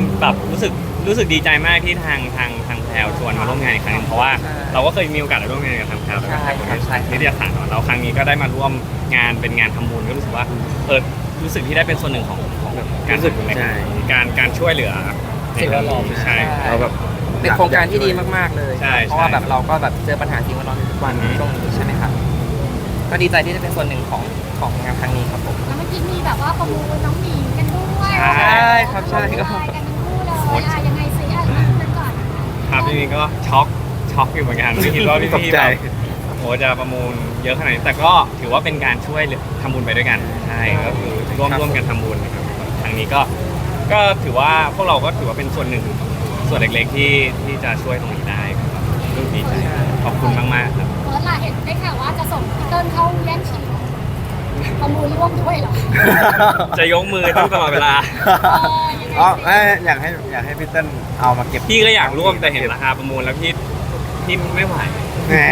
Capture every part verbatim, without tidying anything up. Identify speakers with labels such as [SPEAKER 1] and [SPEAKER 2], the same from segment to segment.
[SPEAKER 1] แบบรู้สึกรู้สึกดีใจมากที่ทางทางทางแพลวชวนมาร่วมงานอีกครั้งหนึงเพราะว่าเราก็เคยมีโอกาสได้ร่วมงานกับทางแพลวแล้วก็ทางนิตยสารเนาะแล้วครั้งนี้ก็ได้มาร่วมงานเป็นงานทำบุญก็รู้สึกว่าเออรู้สึกที่ได้เป็นส่วนหนึ่งของของการทำบุญในการการช่วยเหลือสิ่งแวดล้อมใช่เราแบบ
[SPEAKER 2] เป็นโครงการที่ดีมากๆเลย
[SPEAKER 1] ใช่
[SPEAKER 2] เพราะว่าแบบเราก็แบบเจอปัญหาสิ่งแวดล้อมทุกวันช่วงนี้ใช่ไหมครับก็ดีใจที่ได้เป็นส่วนหนึ่งของของงานครั้งนี้ครับผม
[SPEAKER 3] แล้วเมื่อกี้มีแบบว่าประมูลน้องหมีกันด้วย
[SPEAKER 2] ใช่ครับใช่ก็
[SPEAKER 3] กันทั้งคู่เลยอ่ะยังไงซิอ่ะเริ่มกันก่อน
[SPEAKER 1] ครับจริงๆก็ช็อกช็อกอยู่เหมือนกันไม่คิดว่าพี่ๆแบบโอ้จะประมูลเยอะขนาดนี้แต่ก็ถือว่าเป็นการช่วยทำบุญไปด้วยกันใช่ก็คือร่วมร่วมกันทำบุญนะครับครั้งนี้ก็ก็ถือว่าพวกเราก็ถือว่าเป็นส่วนหนึ่งส่วนเล็กๆที่ที่จะช่วยตรงนี้ได้ครับรู้ดีใจขอบคุณมากๆครับ
[SPEAKER 3] เฟิร์สล่ะเห็นได้ข่าวว่าจะส่งพี่เติ้ลเข้าแย่งชิงประมูลร่วมด้วยเหรอ
[SPEAKER 1] จะยกมือตั้งตลอดเวลา
[SPEAKER 4] อ๋ออยากให้อยากให้พี่เติ้ลเอามาเก็บ
[SPEAKER 1] พี่ก็อยากร่วมแต่เห็นราคาประมูลแล้วพี่พี่ไม่ไหว
[SPEAKER 4] แหม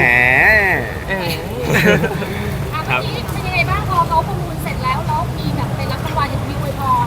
[SPEAKER 3] ครับเป็นยังไงบ้างพอเขาประมูลเสร็จแล้วแล้วมีแบบเป็นรับรางวัลอย่างมีอวยพร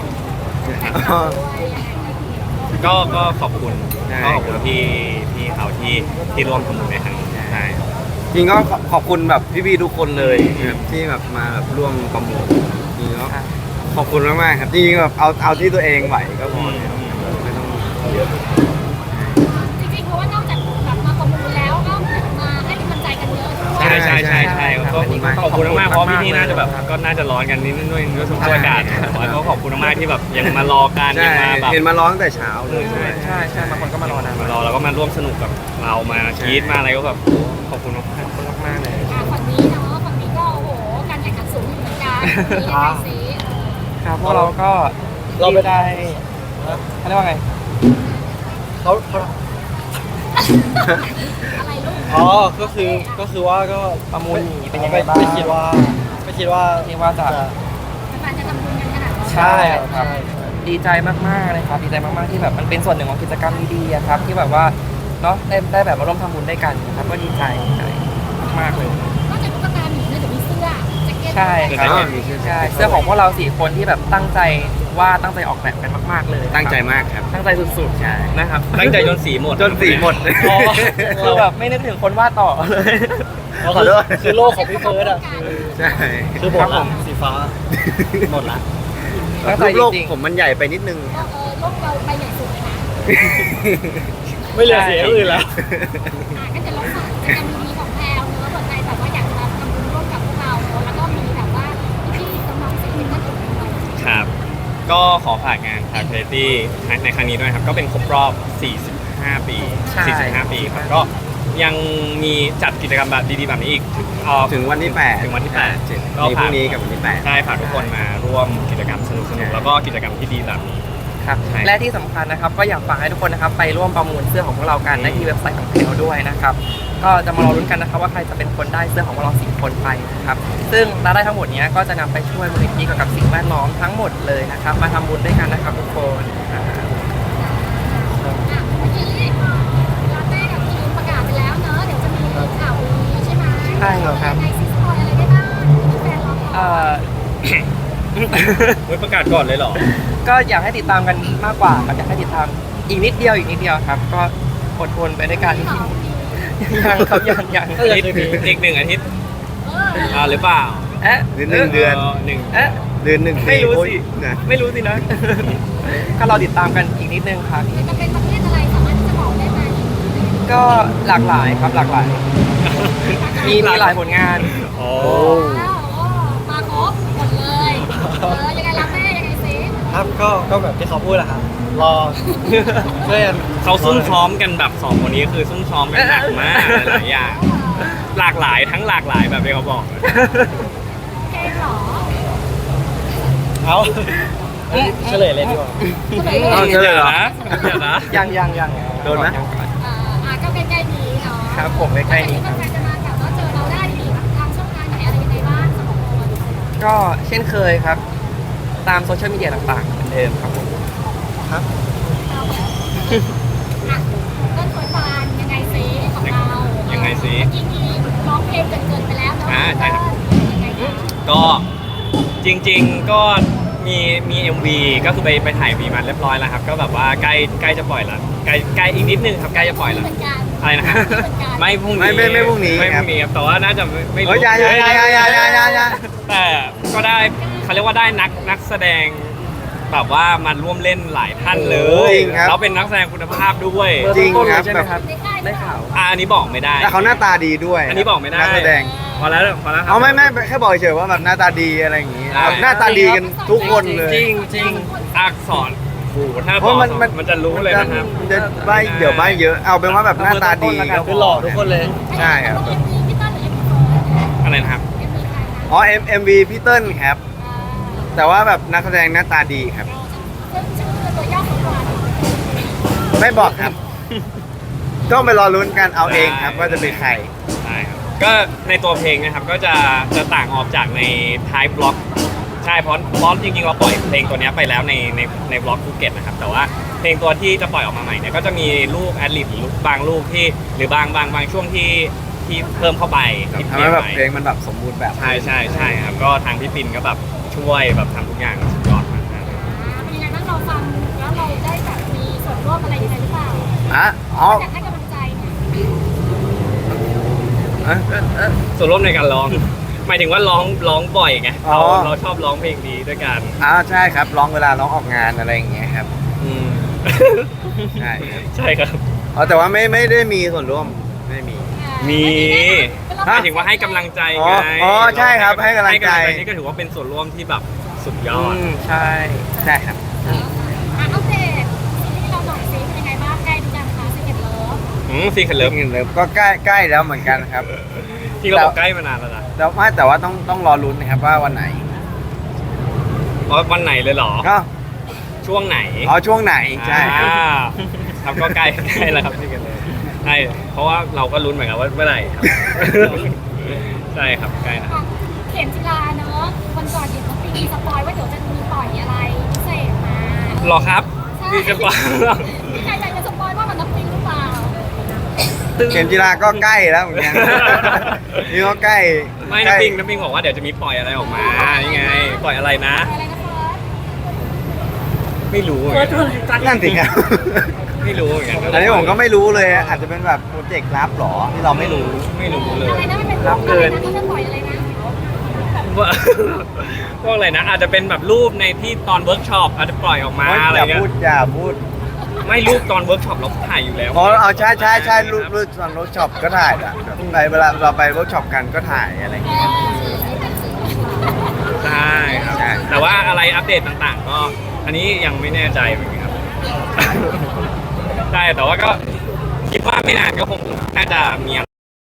[SPEAKER 1] ก็ก็ขอบคุณก็ขอบคุณพี่พี่เขาที่ที่ร่วมทำบุญในครั้งนี้ใช่
[SPEAKER 4] จริงก็ขอบคุณแบบพี่ๆทุกคนเลยที่แบบมาแบบร่วมประมูลจริงก็ขอบคุณมากๆครับจริงแบบเอาเอาที่ตัวเองไหวก็พอไม่ต้องเยอะ
[SPEAKER 3] จริงๆเพราะว่านอกจากแบบมาประมูลแล้วก็มาให้กำลังใจกันเยอะด้วย
[SPEAKER 1] ใช่ใช่ใช่ใช่ก็ขอบคุณมากเพราะพี่ๆน่าจะแบบก็น่าจะร้อนกันนิดนึงด้วยด้วยสภาพอากาศแต่ก็ขอบคุณมากที่แบบยังมารอกันยังมาแบบ
[SPEAKER 4] เห็นมาร้อนตั้งแต่เช้าเลย
[SPEAKER 2] ใช่ใช่ใช่บางคนก็มารอนะ
[SPEAKER 1] มารอแล้วก็มาร่วมสนุกกับเรามาชีดมาอะไรก็แบบขอบคุณมาก
[SPEAKER 2] มากเลย
[SPEAKER 3] ฝั่งนี้เนาะฝั่งนี้ก็โอ้โหการแข่งขันสูงอยู่เหมือนกันนี่ยังไงซิ
[SPEAKER 2] ครับพวกเราก็เราไม่ได้เขาเรียกว่าไง
[SPEAKER 5] เขาเขา
[SPEAKER 3] อะไรลูก
[SPEAKER 5] อ๋อก็คือก็คือว่าก็
[SPEAKER 2] ประมูลเป็นยังไงบ้าง
[SPEAKER 5] ไม่คิดว่าไม่คิดว่า
[SPEAKER 2] คิดว่าจะ
[SPEAKER 3] การจะทำบุญกันขนาดนี้
[SPEAKER 2] ใช่ครับดีใจมากๆเลยครับดีใจมากๆที่แบบมันเป็นส่วนหนึ่งของกิจกรรมดีๆครับที่แบบว่าเนาะได้ได้แบบมาร่วมทำบุญด้วยกันครับก็ดีใจใจมากเลย
[SPEAKER 3] นอกจากตุ๊กตาหมีเนี่ยเดี๋ยวมีเสื้อแจ็คเก็ต
[SPEAKER 2] ใช่ใช่เสื้อของพวกเราสี่คนที่แบบตั้งใจว่าตั้งใจออกแบบกันมากๆเลย
[SPEAKER 4] ตั้งใจมากครับ
[SPEAKER 2] ตั้งใจสุดๆใช่นะครับ
[SPEAKER 1] ตั้งใจจนสีหมด
[SPEAKER 4] จนสีหมด
[SPEAKER 2] คือแบบไม่นึกถึงคนวาดต่อเลย
[SPEAKER 5] ขอโทษคือโลกของพี่เฟิร์สอ่ะ
[SPEAKER 4] ใช่
[SPEAKER 5] คือผมสีฟ้าหมดละ
[SPEAKER 4] โลกผมมันใหญ่ไปนิดนึง
[SPEAKER 3] เออโลกเราไปใหญ่สุดเลยนะ
[SPEAKER 5] ไม่เหลือเสียอื่นแล้ว
[SPEAKER 3] ก็จะลงมากิจกรรมดีๆของแพลวเนอะเปิดใจแบบว่าอยากจะมาทำบุญร่วมกับพวกเราแล้วก็มีแบบว่าพี่ๆน้องๆศิลปินท่านอื่นด้วย
[SPEAKER 1] ครับก็ขอฝากงานคาร์เฟตี้ในครั้งนี้ด้วยครับก็เป็นครบรอบสี่สิบห้าปีสี่สิบห้าปีครับก็ยังมีจัดกิจกรรมแบบดีๆแบบนี้อีก
[SPEAKER 4] ถึงวันที่แปด
[SPEAKER 1] ถึงวันที่แปด
[SPEAKER 4] ก็พรุ่งนี้กับวันที่แปด
[SPEAKER 1] ใช่ฝากทุกคนมาร่วมกิจกรรมสนุกๆแล้วก็กิจกรรมที่ดีแบบนี้
[SPEAKER 2] ครับและที่สำคัญนะครับก็อยากฝากให้ทุกคนนะครับไปร่วมประมูลเสื้อของพวกเรากันได้ที่เว็บไซต์ของเราด้วยนะครับก็จะมารอลุ้นกันนะครับว่าใครจะเป็นคนได้เสื้อของพวกเราสี่คนไปนะครับซึ่งรายได้ทั้งหมดนี้ก็จะนำไปช่วยมูลนิธิเกี่ยวกับสิ่งแวดล้อมทั้งหมดเลยนะครับมาทำบุญด้วยกันนะครับทุกคน
[SPEAKER 3] ประกาศไปแล้วเนอะเดี๋ยวจะมีข่าวดีใช่ไหม
[SPEAKER 2] ใช่ครับ
[SPEAKER 3] ในซิสคอยอะไรได้บ้างแฟนเรา
[SPEAKER 2] เอ่อ
[SPEAKER 1] ประกาศก่อนเลยเหรอ
[SPEAKER 2] ก็อยากให้ติดตามกันมากกว่าอยากให้ติดตามอีกนิดเดียวอีกนิดเดียวครับก็อดทนไปด้วยกันยังครับยังยัง
[SPEAKER 1] อีกอีกหนึ่งอาทิตย์อ่าหรือเปล่า
[SPEAKER 2] เอ๊ะ
[SPEAKER 4] หนึ่งเดือน
[SPEAKER 1] หนึ่ง
[SPEAKER 2] เอ๊ะ
[SPEAKER 4] เดือนหนึ่ง
[SPEAKER 2] ไม่รู้สิไม่รู้สินะก็เราติดตามกันอีกนิดนึงครับ
[SPEAKER 3] จะเป็นประเภทอะไรสามารถที่จะบอกได้ไหม
[SPEAKER 2] ก็หลากหลายครับหลากหลายมีมีหลายผลงาน
[SPEAKER 1] โอ้
[SPEAKER 3] มาครบหมดเลยเออยังไงรับแม่ยังไงซิ
[SPEAKER 5] ครับก็ก็แบบที่เขาพูดแหละครับรอเพื่อน
[SPEAKER 1] เขาซุ่มซ้อมกันแบบสองคนนี้คือซุ่มซ้อมกันหนักมากหลายอย่างหลากหลายทั้งหลากหลายแบบที่เขาบอก
[SPEAKER 3] เกมหรอ
[SPEAKER 5] เอาเฉลยเลยดีกว่า
[SPEAKER 1] เฉลยนะเดี๋ยวนะ
[SPEAKER 2] ยังยังยัง
[SPEAKER 4] โดนไหม
[SPEAKER 3] อ่าก็ใกล้ๆนี้เนาะ
[SPEAKER 2] ครับผมใกล้ๆนี้
[SPEAKER 3] ใครจะมาแบบว่าเจอเราได้ดีทางช่องทางไหนอะไรยังไงบ้างสำหรับคน
[SPEAKER 2] ก็เช่นเคยครับตามโซเชียลมีเดียต่างๆเหมือนเดิมครับผม
[SPEAKER 5] ครับ
[SPEAKER 3] ต้นโวยพานยังไงซิของเรา
[SPEAKER 1] ยังไงซิ
[SPEAKER 3] เมื่อกี้นี้ร้องเพลงเกินๆไปแล้วเนาะ
[SPEAKER 1] อ่าใช่ครับก็จริงๆก็มีมี เอ็ม วี ก็คือไปไปถ่ายมีมาเรียบร้อยแล้วครับ ก็แบบว่าใกล้ใกล้จะปล่อยแล้วใกล้ใกล้อีกนิดนึงครับใกล้จะปล่อยแล้ว
[SPEAKER 3] เหมือนกัน
[SPEAKER 1] อะไรนะครับไม่พรุ่งนี้
[SPEAKER 4] ไม่ไม่ไม่พรุ่งนี้
[SPEAKER 1] ไม่พ
[SPEAKER 4] ครับ
[SPEAKER 1] รุ่งนี้ครับแต่ว่าน่าจะไม่ไม่
[SPEAKER 4] เฮ้ย
[SPEAKER 1] รู้
[SPEAKER 4] อย่าอย่าอย่าอย่าอย่าอย่าอย่า
[SPEAKER 1] แต่ก็ได้เขาเรียกว่าได้นักนักแสดงแบบว่ามาร่วมเล่นหลายท่านเลย
[SPEAKER 4] จริงครับ
[SPEAKER 1] แล้วเป็นนักแสดงคุณภาพด้วย
[SPEAKER 4] จริงครับ
[SPEAKER 2] ใช่ไห
[SPEAKER 4] แบ
[SPEAKER 2] ม
[SPEAKER 4] บ
[SPEAKER 2] ครับ
[SPEAKER 3] ในค่าย
[SPEAKER 2] ได้ข่าว
[SPEAKER 1] อ่ะอันนี้บอกไม่ได้
[SPEAKER 4] แต่เขาหน้าตาดีด้วย
[SPEAKER 1] อันนี้บอกไม่ได้
[SPEAKER 4] นักแสดง
[SPEAKER 1] พอแล้วพอแล้วครับ
[SPEAKER 4] เอาไม่ไม่แค่บอกเฉยๆว่าแบบหน้าตาดีอะไรอย่างงี้
[SPEAKER 1] ใช่
[SPEAKER 4] แบบหน้าตาดีกันทุกคนเลย
[SPEAKER 2] จริงจริง
[SPEAKER 1] อักษรโอ้โหถ้า
[SPEAKER 4] เพ
[SPEAKER 1] บอก
[SPEAKER 4] ราะมันมัน
[SPEAKER 1] มันจะรู้เลยนะครับ
[SPEAKER 4] มันจะใบเดี๋ยวใบเยอะเอาเป็นว่าแบบหน้าตาดีก็พ
[SPEAKER 5] คือหล่อทุกคนเลย
[SPEAKER 4] ใช่ครับ
[SPEAKER 3] เอ็มวีพี่ต้นหรือเอ็มวีเฟิร์ส
[SPEAKER 1] อะไรนะครับ
[SPEAKER 3] เอ็มวีใครนะ
[SPEAKER 4] อ๋อ M M V พี่เติ้ลครับ แต่ว่าแบบนักแสดงหน้าตาดีครับ
[SPEAKER 3] ซึ่งชื่อตัวย่อของวัน
[SPEAKER 4] ไม่บอกครับ ต้องไปรอลุ้นกันเอาเองครับ ว่าจะเป็นใคร
[SPEAKER 1] ใช่ครับก็ในตัวเพลงนะครับก็จะจะต่างออกจากในท้ายบล็อกใช่เพราะเพราะจริงๆเราปล่อยเพลงตัวเนี้ยไปแล้วในในในบล็อกภูเก็ตนะครับแต่ว่าเพลงตัวที่จะปล่อยออกมาใหม่เนี่ยก็จะมีลูกแอดลิบหรือบางลูกที่หรือบางบางบางช่วงที่ที่เพิ่มเข้าไปที่
[SPEAKER 4] ทำ
[SPEAKER 1] เปลี่
[SPEAKER 4] ให้
[SPEAKER 1] ยน
[SPEAKER 4] แบบ
[SPEAKER 1] ใหม่
[SPEAKER 4] เพลงมันแบบสมบูรณ์แบบ
[SPEAKER 1] ใช่ใช่ใช่ครับก็ทางพี่ปินก็แบบช่วยแบบทำทุกอย่างสุดยอดมากครับ
[SPEAKER 3] เป็นยังไงบ้างเราฟังแล้วเราได้แบบมีส่วนร่วมอะไรยังไงหรือเปล่า
[SPEAKER 4] อ่ะอ๋อ
[SPEAKER 3] อยากให้กำลังใจเนี่ย
[SPEAKER 4] เอ๊ะเอ๊ะเอ๊ะ
[SPEAKER 1] ส่วนร่วมในการร้องหมายถึงว่าร้องร้องบ่อยไง
[SPEAKER 4] อ๋อ
[SPEAKER 1] เราเราชอบร้องเพลงนี้ด้วยกัน
[SPEAKER 4] อ่าใช่ครับร้องเวลาร้องออกงานอะไรอย่างเงี้ยครับ
[SPEAKER 1] อืม
[SPEAKER 4] ใช่ครับ
[SPEAKER 1] ใช่ครับ
[SPEAKER 4] อ๋อแต่ว่าไม่ไม่ได้มีส่วนร่วมไม่มี
[SPEAKER 1] มีหมายถึงว่าให้กำลังใจไง
[SPEAKER 4] อ๋ออ๋อใช่ครับให้กำลังใจ
[SPEAKER 1] นี่ก็ถือว่าเป็นส่วนร่วมที่แบบสุดย
[SPEAKER 2] อื
[SPEAKER 1] อด
[SPEAKER 2] มใช่
[SPEAKER 4] ใช่ครับ
[SPEAKER 3] อ่ะอัปเดตซีรีส์เราหน่อยซิเป็นยังไงบ้างใกล้หรือยังคะซีเอ็ดเลิฟ
[SPEAKER 1] อืมซีคันเลิ
[SPEAKER 4] เริ่
[SPEAKER 1] ฟ
[SPEAKER 4] มเงินเริ่มก็ใกล้ใกล้แล้วเหมือนกันครับ
[SPEAKER 1] ที่เราบอกใกล้มานานแล้วนะ
[SPEAKER 4] แต่ว่าแต่ว่าต้องต้องรอลุ้นนะครับว่าวันไหน
[SPEAKER 1] เพราะวันไหนเลยเหรอ
[SPEAKER 4] ก็
[SPEAKER 1] ช่วงไหน
[SPEAKER 4] อ๋อช่วงไหนใช่ครับ
[SPEAKER 1] อ่าครับก็ใกล้ใกล้แล้วครับซีคันเลิฟใช่เพราะว่าเราก็ลุ้นเหมือนกันว่าเมื่อไหร่ครับ ใช่ครับใกล้นะ
[SPEAKER 3] อ่ะเข็มจีราเนอะวันก่อนเห็นเขาปีสปอยว่าเดี๋ยวจะมีปล่อยอะไรพิเศษมา
[SPEAKER 1] หรอครับ
[SPEAKER 3] ใช่
[SPEAKER 1] นี่จะปล่อย
[SPEAKER 3] มีใครอยากจะสปอยว่ามันน้ำปิงหรือเปล่า
[SPEAKER 4] เข็มจีราก็ใกล้แล้วเหมือนกัน นี่ก็ใกล้
[SPEAKER 1] ไม่
[SPEAKER 4] ใกล้
[SPEAKER 1] น้ำปิงน้ำปิงบอกว่าเดี๋ยวจะมีปล่อยอะไรออกมานี่ไง ปล่อยอะไรนะ
[SPEAKER 3] อะไรนะเฟิร์ส
[SPEAKER 1] ไม่รู้เหมือนกัน
[SPEAKER 4] นั่นสิครับ
[SPEAKER 1] ไม่รู้เหมือนกัน
[SPEAKER 4] อันนี้ผมก็ไม่รู้เลยอาจจะเป็นแบบโปรเจกต์ลับหรอที่เราไม่รู้
[SPEAKER 1] ไม่รู้เลย
[SPEAKER 3] อะไรนะมันเป็นรูปอะไรนะเขาจะปล่อยอะไรนะ
[SPEAKER 1] ว่า พวกอะไรนะ อาจจะเป็นแบบรูปในที่ตอนเวิร์กช็อปอาจจะปล่อยออกมาอะไร
[SPEAKER 4] อย่า
[SPEAKER 1] เงี้ย
[SPEAKER 4] พูดอย่าพูด
[SPEAKER 1] ไม่รูปตอนเวิร์กช็อปเราถ่ายอยู่แล้ว
[SPEAKER 4] อ๋อเอาใช่ใช่ใช่รูปรูปตอนเวิร์กช็อปก็ถ่ายอะไปเวลาเราไปเวิร์กช็อปกันก็ถ่ายอะไรอย่างเงี้ย
[SPEAKER 1] ใช่ครับ
[SPEAKER 4] ใช่
[SPEAKER 1] แต่ว่าอะไรอัปเดตต่างๆ ก็ อันนี้ยังไม่แน่ใจเหมือนกันครับ ใช่แต่ว่าก็คิดว่าไม่นานก็คงน่าจะมีอะไร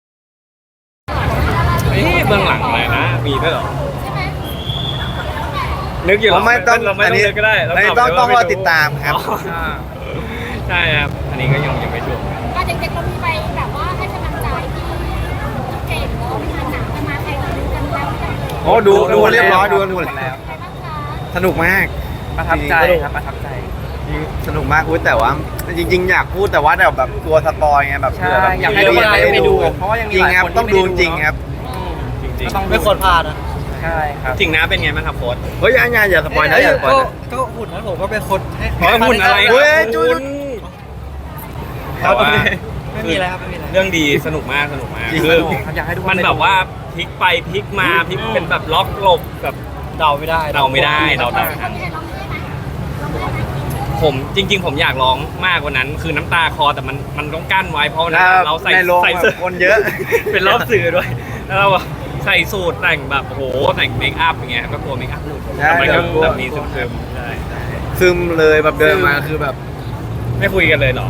[SPEAKER 1] เอ๊ะเบื้องหลังอะไรนะ มีด้วยเหรอ
[SPEAKER 3] ใช่ไหม
[SPEAKER 1] นึกอยู่
[SPEAKER 4] ผมไม่ต้อง
[SPEAKER 1] เราไม่
[SPEAKER 4] อัน
[SPEAKER 1] ต้อง
[SPEAKER 4] นี้
[SPEAKER 1] นึกก็ได้เรา
[SPEAKER 4] อันนี้
[SPEAKER 1] ต
[SPEAKER 4] ต้อง
[SPEAKER 1] บไป
[SPEAKER 4] ต้องร
[SPEAKER 1] ว่า
[SPEAKER 4] อ
[SPEAKER 1] ไ
[SPEAKER 4] ติดตามครับ
[SPEAKER 1] อ๋อใช่ครับ อันนี้ก็ยังยังไม่ชัวร์
[SPEAKER 3] อ่ะเด็กๆเรามีไปแบบว่าให้กำลังใจที่เก่งเนาะมีทานหนังกันมาใครเราดูกันแล้วหรือยัง
[SPEAKER 4] โอ้ดูดูเรียบร้อยดูดู
[SPEAKER 2] หม
[SPEAKER 4] แล้ว
[SPEAKER 2] แล้ว
[SPEAKER 3] ใครบ้างคะ
[SPEAKER 4] สนุกมาก
[SPEAKER 2] ประทับใจครับประทับใจ
[SPEAKER 4] สนุกมากอุ้ยแต่ว่าจริง ๆ อยากพูดแต่ว่าแบบแบบกลัวสปอยไงแบบ
[SPEAKER 2] ใช่
[SPEAKER 4] เผื่อแบบ
[SPEAKER 2] อยากให้ทุกคนไปดูเพราะว่ายังมี
[SPEAKER 4] จริง
[SPEAKER 2] หลาย
[SPEAKER 4] ครับ
[SPEAKER 2] คนที่
[SPEAKER 4] ต้องดู
[SPEAKER 2] ไม่ได้ดู
[SPEAKER 4] จริงครับ
[SPEAKER 1] จริง
[SPEAKER 2] ก็ต้องดู
[SPEAKER 5] ไม่ควรพลาดนะ
[SPEAKER 2] ใช่ครับ
[SPEAKER 1] ๆจริงนะเป็นไงบ้างครับโค้ช
[SPEAKER 4] เฮ้ยอย่าอย่าอย่าสปอยนะอย่าสปอย
[SPEAKER 5] ก็
[SPEAKER 4] นะ
[SPEAKER 5] ก็หุ่นนั้นผมก็เป็นคนให้
[SPEAKER 1] ขอหุ่นอะไร
[SPEAKER 4] เฮ้ย
[SPEAKER 1] ครับ
[SPEAKER 4] จุ๊
[SPEAKER 1] คุ
[SPEAKER 4] ด
[SPEAKER 1] ณแต่ว่า
[SPEAKER 5] ไม่มีอะไรครับไม่มีอะไร
[SPEAKER 1] เรื่องดีสนุกมากสนุกมาก
[SPEAKER 4] จริง
[SPEAKER 1] คือ
[SPEAKER 4] สนุก
[SPEAKER 2] อยากให้ทุกคน
[SPEAKER 1] มัน
[SPEAKER 2] ไปดู
[SPEAKER 1] แบบว่าพลิกไปพลิกมาพลิกเป็นแบบล็อกหลบแบบ
[SPEAKER 5] เดาไม่ได้
[SPEAKER 1] เดาไม่ได้เดาไม่
[SPEAKER 3] เรา
[SPEAKER 1] ทัน
[SPEAKER 3] มีใครร้องได้ไหมร้องได้ไหม
[SPEAKER 1] ผมจริง ๆ ผมอยากร้องมากกว่านั้น คือน้ำตาคอแต่มันมันต้องกั้นไว้เพราะวันนั้นเราใส่
[SPEAKER 4] ในโรง
[SPEAKER 1] ใส่
[SPEAKER 4] แบบ
[SPEAKER 1] เสื้อ
[SPEAKER 4] คนเยอะ
[SPEAKER 1] เป็นรอบสื่อด้วย แล้วเราอะใส่สูทแต่งแบบโอ้โหแต่งเมคอัพอย่างเงี้ยก็กลัวเมคอัพหลุด
[SPEAKER 4] ใช่
[SPEAKER 1] แต่มันก็
[SPEAKER 4] กลัว
[SPEAKER 1] แบบมีซึมๆใช่
[SPEAKER 4] ซึมเลยแบบเดินมาคือแบบ
[SPEAKER 1] ไม่คุยกันเลยเหรอ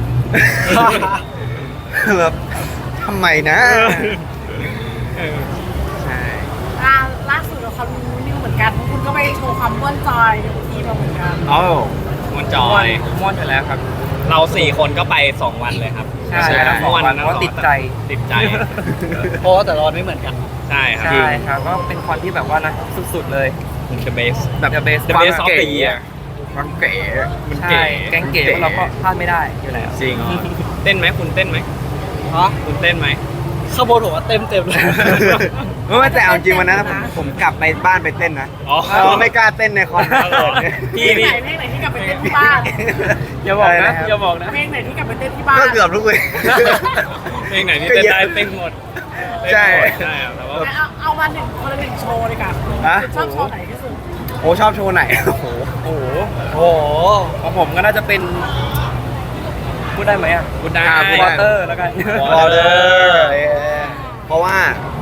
[SPEAKER 4] แบบทำไมนะ
[SPEAKER 1] เออ
[SPEAKER 4] ใช่
[SPEAKER 6] อ่าล่าสุดเราเขารู้นิวเหมือนกันเพราะคุณก็ไปโชว์ความม่วนจอยในทีเราเหมือนกัน
[SPEAKER 4] เอ้า
[SPEAKER 1] มันจ
[SPEAKER 2] ม้
[SPEAKER 1] อ
[SPEAKER 2] วน
[SPEAKER 1] ย
[SPEAKER 2] ม้วนอยู่แล้วครับ
[SPEAKER 1] เราสี่คนก็ไปสองวันเลยครับ
[SPEAKER 2] ใช่ครับ
[SPEAKER 1] ม่วน
[SPEAKER 2] สองวันเพราะติดใจ
[SPEAKER 1] ติดใจ
[SPEAKER 5] เพราะว่าแต่ละวันไม่เหมือนกัน
[SPEAKER 1] ใช่ครับ
[SPEAKER 2] ใช่ครับก็เป็นคอนที่แบบว่านะสุดๆเลย
[SPEAKER 1] The best
[SPEAKER 2] แบบ the best
[SPEAKER 1] The
[SPEAKER 2] ความ
[SPEAKER 1] best of
[SPEAKER 2] เก๋
[SPEAKER 1] the year
[SPEAKER 4] มันเก๋
[SPEAKER 1] มัน
[SPEAKER 2] ใช่
[SPEAKER 1] เก๋
[SPEAKER 2] แกงเก๋พวกเราก็พลาดไม่ได้อยู่แล้ว
[SPEAKER 1] จริงเต้นไหมคุณเต้นไหม
[SPEAKER 5] ฮะ
[SPEAKER 1] คุณเต้นไหม
[SPEAKER 5] ข้างบนผมว่าเต็มเต็มเลย
[SPEAKER 4] ไม่แต่เอาจริงวันนั้นผมผมกลับไปบ้านไปเต้นนะ
[SPEAKER 1] อ๋อ
[SPEAKER 4] เพราะไม่กล้าเต้นในคอนเสิร์ตเนี่ย
[SPEAKER 6] เพลงไหนเพลงไหนที่กลับไปเต้นที่บ้าน
[SPEAKER 2] อย่าบอก
[SPEAKER 4] อะไร
[SPEAKER 2] นะ
[SPEAKER 4] นะครับ
[SPEAKER 2] อย่าบอกนะ
[SPEAKER 6] เพลงไหนที่กลับไปเต้นที่บ้าน
[SPEAKER 4] ก็เกือบทุกเวท
[SPEAKER 1] เพลงไหนที่เต้นได้เต้นหมด
[SPEAKER 4] ใช่
[SPEAKER 1] ใช่ครับแต่ว่า
[SPEAKER 6] เอาเอามาหนึ่งคนละหนึ่งโชว์เลยค่ะ
[SPEAKER 4] ฮะ
[SPEAKER 6] ชอบโชว์ไหนที่สุด
[SPEAKER 4] โอ้ชอบโชว์ไหนโอ้โห
[SPEAKER 2] โอ้โห
[SPEAKER 5] โอ้โห
[SPEAKER 2] ของผมก็น่าจะเป็นพูดได้ไหมอ่ะ
[SPEAKER 1] พูดได้
[SPEAKER 4] อ่าพูด
[SPEAKER 2] วอ
[SPEAKER 4] ได้
[SPEAKER 2] เตอร์แล้วกัน
[SPEAKER 4] วอลเลอร์เพราะว่า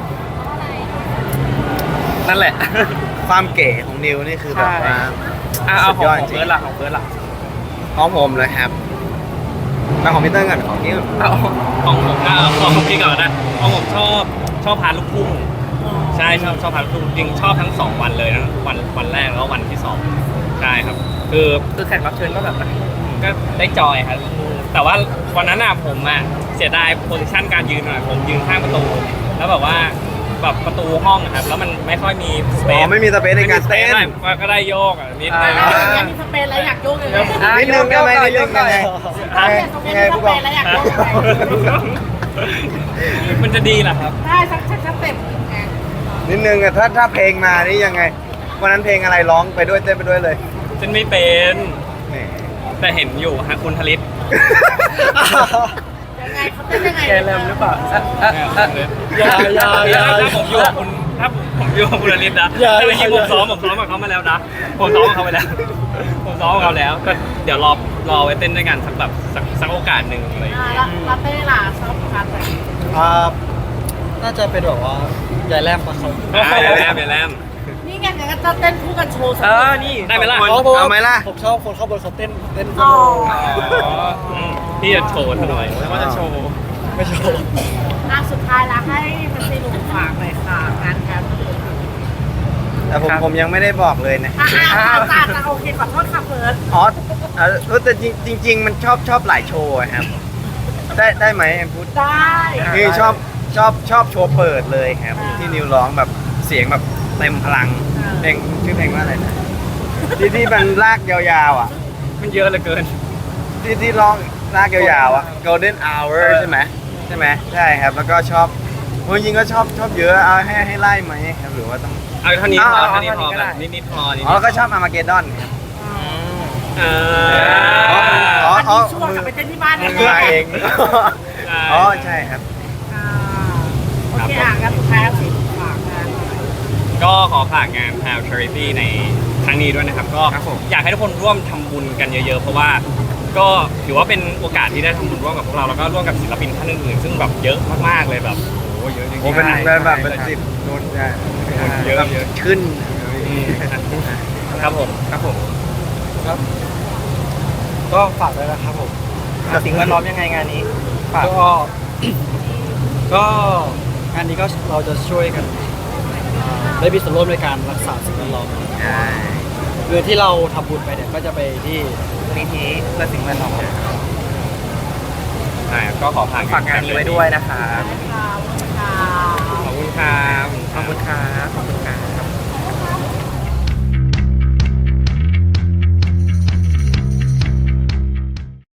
[SPEAKER 2] นั่นแหละ
[SPEAKER 4] ความเก๋ของนิวนี่คือแบบว่า
[SPEAKER 2] อ่ะเอาของ
[SPEAKER 4] สุดยอด
[SPEAKER 2] ของ
[SPEAKER 4] จริง
[SPEAKER 2] เบิร์ดล่ะของเบิร์ดล่ะ
[SPEAKER 4] ของผมเลยครับมาของพีเตอร์กันของนี้ก่อน
[SPEAKER 2] เอา
[SPEAKER 1] ของผมก็ของพี่ก่อนนะของผมชอบชอบพาลูกทุ่งใช่ชอบชอบพาลูกทุ่งจริงชอบทั้งสองวันเลยนะวันวันแรกแล้วก็วันที่สองใช่ครับ คือ
[SPEAKER 2] คือแขกรับเชิญก็แบบ
[SPEAKER 1] ก็ได้จอยครับแต่ว่าวันนั้นอ่ะผมอ่ะเสียดายโพสิชันการยืนหน่อยผมยืนข้างประตู แล้วแบบว่าแบบประตูห้องอะครับแล้วมันไม่ค่อยมีสเป
[SPEAKER 4] อ๋อ
[SPEAKER 1] ซ
[SPEAKER 4] ไม่มีสเปซในการเต้น
[SPEAKER 1] ได้ก็ได้โยกอ่ะนิดนึง
[SPEAKER 6] อยากมีสเปนแล้วอยากโยกเลย
[SPEAKER 2] อ่ะ
[SPEAKER 4] นิดนึงได้ไหมนิดนึงได้ไหม
[SPEAKER 6] ถ้าเปลี่ยนสเปนมีสเปนแล้วอยากโยกเลย
[SPEAKER 1] มันจะดีเหรอครับ
[SPEAKER 6] ได้สักสักสักเต็มไง
[SPEAKER 4] นิดนึงอะถ้าถ้าเพลงมานี่ยังไงวันนั้นเพลงอะไรร้องไปด้วยเต้นไปด้วยเลย
[SPEAKER 1] ฉันไม่เป็น
[SPEAKER 4] แหม
[SPEAKER 1] แต่เห็นอยู่ฮะคุณทลิต
[SPEAKER 6] ยังไงเขาเต้นยังไง
[SPEAKER 2] แกแรมหรือเปล่าอ่ะอ่ะอ่ะ
[SPEAKER 5] อย่าอย่าอย่า
[SPEAKER 1] ถ้าผมอยู่กับคุณถ้าผมอยู่กับคุณทลิตนะ
[SPEAKER 5] อย่า
[SPEAKER 1] แต่เมื่อกี้
[SPEAKER 5] อย่า
[SPEAKER 1] ผมซ้อมผมซ้อมกับเขามาแล้วนะผมซ้อมกับเขาไปแล้ว ผมซ้อมกับเขาแล้วก็เดี๋ยวรอรอไว้เต้นด้วยกันสักแบบสักสักโอกาสหนึ่งอะไรอย่าง
[SPEAKER 6] อ่า
[SPEAKER 1] เงี้ย
[SPEAKER 6] แล้วลาเต้ล่ะชอบทานไหน
[SPEAKER 5] อ่าน่าจะเป็นแบบว่าใหญ่แรมปะครับ
[SPEAKER 1] อ่าอย่าแลมอย่าแลม
[SPEAKER 6] นี่ไงงั้นก็จะเต้นคู่กันโชว์สัก
[SPEAKER 2] เออนี่
[SPEAKER 1] ได้ไหมล่ะ
[SPEAKER 5] เพราะเพราะว่า
[SPEAKER 4] เอาไหมล่ะ
[SPEAKER 5] ผมชอบคนเข้าบนเขาเต้นเต้น
[SPEAKER 6] อ๋อ
[SPEAKER 1] อ๋ออืมพี่จะโชว์ซะหน่อย
[SPEAKER 2] แล้วก็จะโชว์
[SPEAKER 5] ไม่โชว์
[SPEAKER 6] อ่ะสุดท้ายแล้วให้มันซีหนุ่มฝากหน่อยค่ะงานแคมป์
[SPEAKER 4] แต่ผมผมยังไม่ได้บอกเลยนะ
[SPEAKER 6] อ่ะอ่ะอ่ะจ้าจ้าโอเคขอโทษค่ะเฟิร์ส
[SPEAKER 4] อ๋อเออแต่จริงจริง ๆ มันชอบชอบหลายโชว์อะครับ ได้ได้ไหมแอมพูด
[SPEAKER 6] ได้
[SPEAKER 4] คือชอบชอบชอบโชว์เปิดเลยครับ ที่นิวร้องแบบเสียงแบบเต็มพลังเพลงชื่อเพลงว่าอะไรนะที่ที่มันลากยาวๆอ่ะ
[SPEAKER 1] มันเยอะเหลือเกิน
[SPEAKER 4] ที่ที่ร้องลากยาวๆอ่ะ Golden Hour ใช่ไหมใช่ไหมใช่ครับ แล้วก็ชอบจริงๆก็ชอบชอบเยอะเอาให้ให้ไล่ไหมครับหรือว่าต้อง
[SPEAKER 1] เอาเท่านี้พอ
[SPEAKER 2] เอาเอา
[SPEAKER 1] เท่านี้พอ
[SPEAKER 2] เท่านี้ก็ได้
[SPEAKER 1] แบบนิดๆพอนิด
[SPEAKER 4] อ๋อแล้วก็ชอบอามาเกดอนครับ
[SPEAKER 1] เอ
[SPEAKER 4] อ๋อ
[SPEAKER 1] อ
[SPEAKER 6] อันนี้ช่วงกลับไปเต้นที่บ้าน
[SPEAKER 4] มื
[SPEAKER 6] เนี่ย
[SPEAKER 4] อมาเอง
[SPEAKER 1] ใช่
[SPEAKER 4] อ๋อใช่ครับ
[SPEAKER 6] อ่าโอเคอ่ะงั้นสุดท้ายสิฝากงาน
[SPEAKER 1] ก็ขอฝากงาน p a l Charity ในครั้งนี้ด้วยนะครับ ก็
[SPEAKER 2] ครับผม
[SPEAKER 1] อยากให้ทุกคนร่วมทำบุญกันเยอะๆ เพราะว่าก็ถือว่าเป็นโอกาสที่ได้ทำบุญร่วมกับพวกเราแล้วก็ร่วมกับศิลปินท่านอื่นๆซึ่งแบบเยอะมากๆเลยแบบโอ้โหเยอะจริงๆ
[SPEAKER 4] โอ้เป็น
[SPEAKER 1] ใช่
[SPEAKER 4] แบบแบบเป็น
[SPEAKER 1] ใช่
[SPEAKER 4] สิบโดนใช่
[SPEAKER 1] เยอะ
[SPEAKER 4] แบบ
[SPEAKER 1] เยอะ
[SPEAKER 4] ขึ้น
[SPEAKER 1] อืมครับผม
[SPEAKER 2] ครับผม
[SPEAKER 5] ครับก็ฝากด้วยนะครับผม
[SPEAKER 2] กับสิ่งแวดล้อมยังไงงานนี้ฝาก
[SPEAKER 5] ก็ ก็งานนี้ก็เราจะช่วยกันอ่าได้มีส่วนร่วมในการรักษาสิ่งแวดล้อม
[SPEAKER 4] ใช่
[SPEAKER 5] เงินที่เราทำบุญไปเนี่ยก็จะไปที่
[SPEAKER 2] มูลนิธิเพื่อสิ่งแวดล้อม
[SPEAKER 1] ใช่ก็ขอฝาก
[SPEAKER 2] ฝากงานนี้ไว้ด้วยนะครับ
[SPEAKER 6] ค่ะ
[SPEAKER 1] ขอบคุณครับ
[SPEAKER 2] ขอบคุณครับ